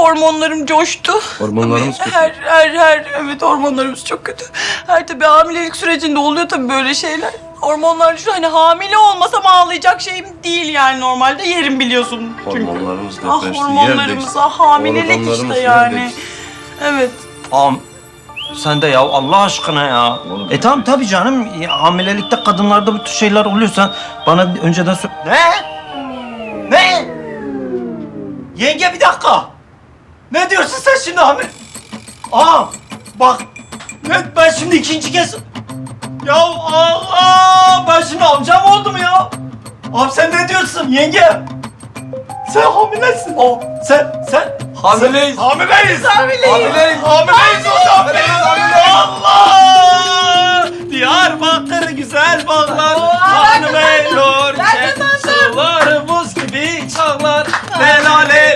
hormonlarım coştu. Hormonlarımız kötü. Evet, hormonlarımız çok kötü. Tabii hamilelik sürecinde oluyor tabii böyle şeyler. Hormonlar şu, hani hamile olmasam ağlayacak şeyim değil yani, normalde yerim biliyorsun çünkü. Hormonlarımız Ah depreşti, hormonlarımız, yer hamilelik Organlarımız işte yer yani. değişti. Evet. Sen de ya Allah aşkına ya. Oğlum, Tamam tabii canım. Hamilelikte kadınlarda bu tür şeyler oluyorsa bana önceden söyle. Ne? Yenge bir dakika. Ne diyorsun sen şimdi hamile? Bak. Ben şimdi ikinci kez... Ya Allah! Ben şimdi amcam oldum ya. Abi sen ne diyorsun yenge? Sen hamilesin. Sen... Hamileyiz. Hamileyiz. Hamileyiz. Allah! Diyarbakır güzel bağlar, hanım eylor, sularımız gibi çağlar, lelale